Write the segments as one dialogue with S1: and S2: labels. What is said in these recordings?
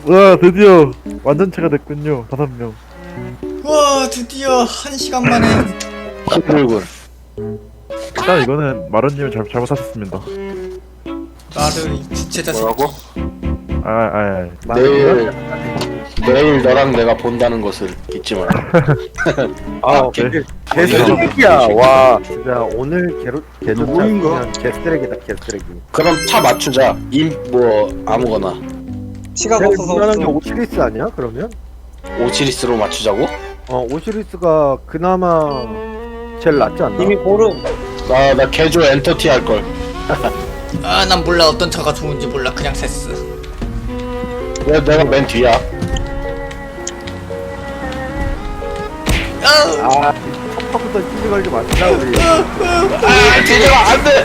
S1: 와 드디어 완전체가 됐군요. 5명.
S2: 와 드디어 1시간 만에.
S3: 힘들군.
S1: 일단 이거는 마루님이 잘못하셨습니다.
S2: 나를 이 부채 자식.
S3: 뭐라고? 내일 너랑 내가 본다는 것을 잊지 마라.
S4: 아,
S1: 네.
S4: 개쓰레기야. 와, 진짜 오늘 개조차
S3: 누구인가?
S4: 그냥 개쓰레기다, 개쓰레기.
S3: 그럼 차 맞추자. 뭐 아무거나.
S5: 시간
S4: 제일
S5: 없어서
S4: 무난한 게
S5: 없어.
S4: 오시리스 아니야? 그러면?
S3: 오시리스로 맞추자고?
S4: 오시리스가 그나마 제일 낫지 않나?
S5: 이미 고름.
S3: 나 개조 엔터티 할 걸.
S2: 아 난 몰라 어떤 차가 좋은지 몰라 그냥 셌어.
S3: 왜 내가 맨 뒤야?
S4: 아, 첫부터 시비 걸지 마시자, 우리.
S3: 뒤져라 안돼.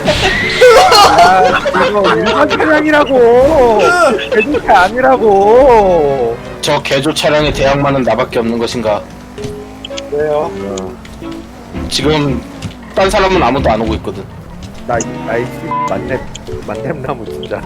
S4: 이거 일반 차량이라고! 개조차 아니라고!
S3: 저 개조 차량의 대항마는 나밖에 없는 것인가?
S5: 왜요?
S3: 지금 딴 사람은 아무도 안 오고 있거든.
S4: 나이 만렙나무 진짜.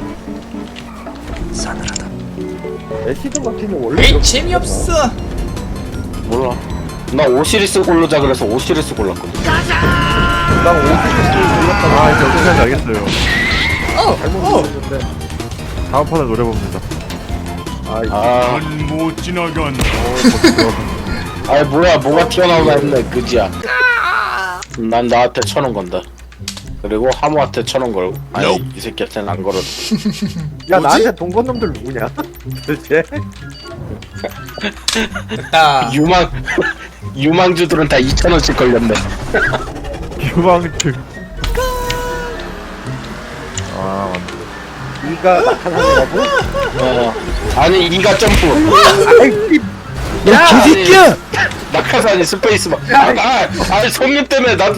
S2: 싸늘하다.
S4: 애시드 마틴은 원래
S2: 에이
S4: 이렇게
S2: 재미없어.
S3: 몰라. 나 오시리스 고르자 그래서 오시리스 골랐거든.
S4: 나 오시리스 골랐다고.
S1: 아 이제 어떻게 하는지 알겠어요.
S4: 잘못
S2: 어.
S4: 골랐는데.
S1: 다음 판을 노려봅니다.
S3: 아,
S6: 못 지나간다.
S3: 아이 뭐야 뭐가 튀어나오나 했네 그지야. 난 나한테 1,000원 건다. 그리고 하모한테 1,000원 걸고. 아니 이 새끼한테는 안 걸어.
S4: 야, 나한테 돈 건 놈들 누구냐? 도대체?
S2: 됐다.
S3: 유망주들은 다 2,000원씩 걸렸네.
S1: 유망증. 아 맞네.
S4: 이가 나타나는
S3: 아니 이가 점프.
S4: 야,
S3: 개새끼야! 낙하산이 스페이스만. 아니 손님 때문에 나도.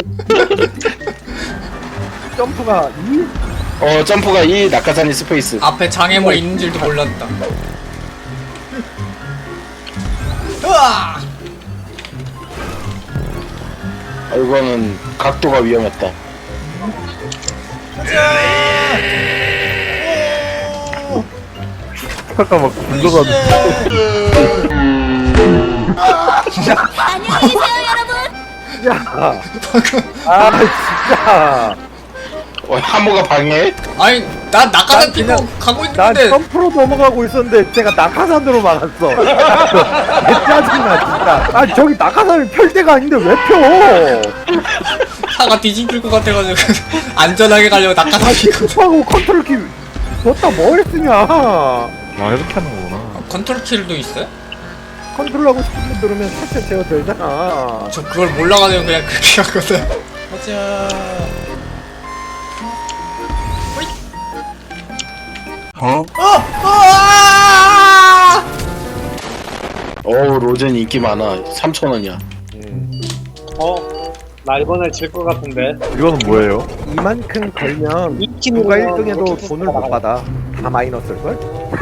S4: 점프가
S3: 점프가 이 낙하산이 스페이스.
S2: 앞에 장애물 있는 줄도 몰랐다. 으아!
S3: 이거는 각도가 위험했다.
S1: 아까 막 굴러가는.
S7: 안녕히 계세요, 여러분.
S4: 야. 진짜.
S3: 하모가 방해해?
S2: 아니 나 낙하산
S4: 난
S2: 피고
S4: 그냥-
S2: 가고
S4: 난
S2: 있는데
S4: 점프로 넘어가고 있었는데 제가 낙하산으로 막았어. 짜증나 진짜. 아, 저기 낙하산이 펼 데가 아닌데 왜 펴?
S2: 차가 뒤집힐 것 같아가지고 안전하게 가려고 낙하산 피고.
S4: 하고 컨트롤 키 넣다 뭘 쓰냐?
S1: 아 이렇게 하는 거구나.
S2: 컨트롤 킬도 있어요?
S4: 컨트롤하고 싶으면 누르면 살짝 제어 되잖아.
S2: 저 그걸 몰라가지고 그냥 그렇게 하거든. 가자.
S3: 로젠 인기 많아. 3,000원이야.
S5: 나 이번에 질 것 같은데.
S1: 이거는 뭐예요?
S4: 이만큼 걸면
S5: 이키는
S4: 누가 1등해도 돈을 못 받아. 다 마이너스일걸?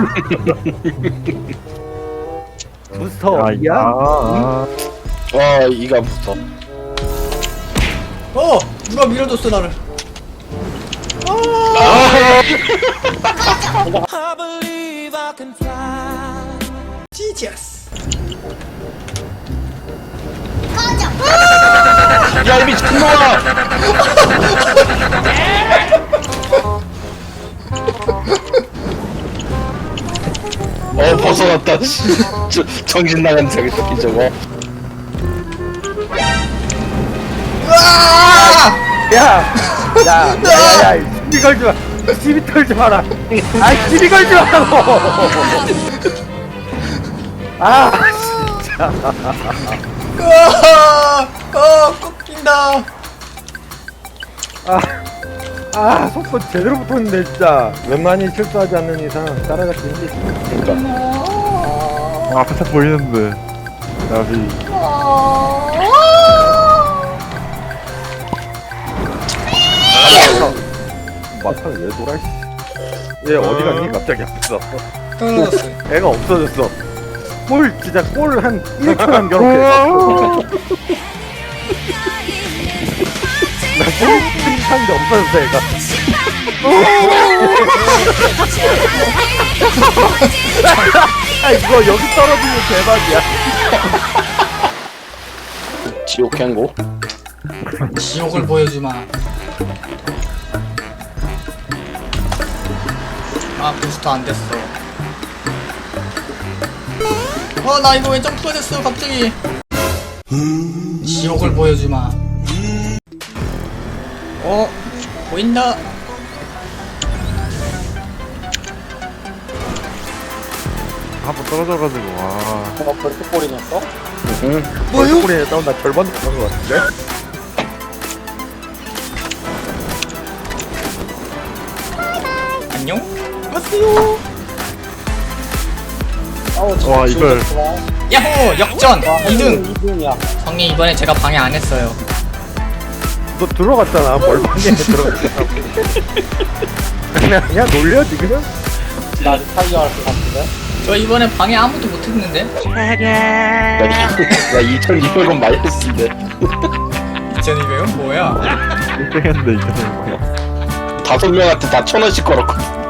S4: 부스터 이야?
S3: 이가 붙어.
S2: 누가 밀어줬어 나를. 지지어스.
S3: 야, 이 미친놈아! 벗어났다. 정신 나간 저기 새끼 저거.
S4: 야! 시비 걸지 마! 시비 털지 마라! 아이, 시비 걸지 마라고! 진짜.
S2: 꺾인다.
S4: 속도 제대로 붙었는데, 진짜. 웬만히 실수하지 않는 이상 따라갈 수 있는 게 있으니까.
S1: 앞에 차 보이는데. 나비.
S4: 막상 왜 돌아, 씨. 얘 어디 갔니? 갑자기 앞에서.
S2: 떨어졌어.
S4: 애가 없어졌어. 진짜 골 한 1초 남겨놓게. 나 골, 한게 없어졌어, 애가. 아 이거 여기 떨어지면 대박이야.
S3: 지옥 행고.
S2: 지옥을 보여주마. 아 부스터 안 됐어. 나 이거 왜 점프가 됐어 갑자기. 지옥을 보여주마. 보인다.
S1: 한번 떨어져가지고 와.
S5: 벌써 꼴이 났어?
S3: 응.
S4: 뭐요? 우리 싸움 나 절반 넘은 것 같은데?
S2: 안녕. 왔어요.
S1: 와, 이걸.
S2: 야호 역전 2등.
S5: 2등이야.
S2: 형님 이번에 제가 방해 안 했어요.
S4: 너 들어갔잖아. 뭘 방에 들어갔잖아. 그냥 놀려 지금?
S5: 나 아직 타이어 할것 같은데?
S2: 저 이번에 방해 아무도 못 했는데.
S3: 나 2,200원 마이너스인데.
S2: 2200원 뭐야?
S1: 1등 했는데 이겨낸 거야.
S3: 5명한테 다 1,000원씩 걸었거든.